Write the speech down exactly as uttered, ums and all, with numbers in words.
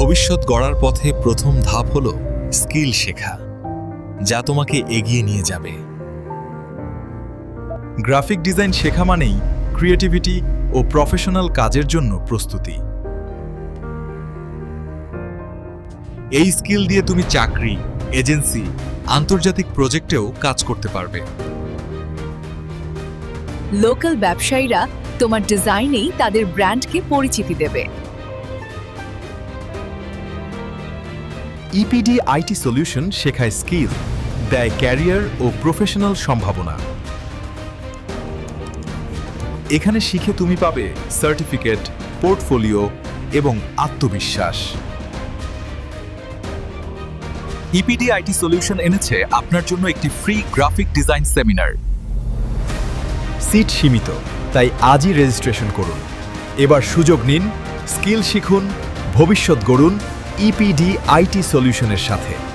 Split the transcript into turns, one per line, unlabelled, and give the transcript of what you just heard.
ভবিষ্যৎ গড়ার পথে প্রথম ধাপ হল স্কিল শেখা, যা তোমাকে এগিয়ে নিয়ে যাবে।
গ্রাফিক ডিজাইন শেখা মানেই ক্রিয়েটিভিটি ও প্রফেশনাল কাজের জন্য প্রস্তুতি। এই স্কিল দিয়ে তুমি চাকরি, এজেন্সি, আন্তর্জাতিক প্রজেক্টেও কাজ করতে পারবে।
লোকাল ব্যবসায়ীরা তোমার ডিজাইনেই তাদের ব্র্যান্ডকে পরিচিতি দেবে।
ইপিডি আইটি সলিউশন শেখায় স্কিল, দেয় ক্যারিয়ার ও প্রফেশনাল সম্ভাবনা। এখানে শিখে তুমি পাবে সার্টিফিকেট, পোর্টফোলিও এবং আত্মবিশ্বাস।
ইপিডি আইটি সলিউশন এনেছে আপনার জন্য একটি free graphic design seminar.
Seat সীমিত, তাই আজই রেজিস্ট্রেশন করুন। এবার সুযোগ নিন, স্কিল শিখুন, ভবিষ্যৎ গড়ুন ইপিডি আইটি সলিউশনের সাথে।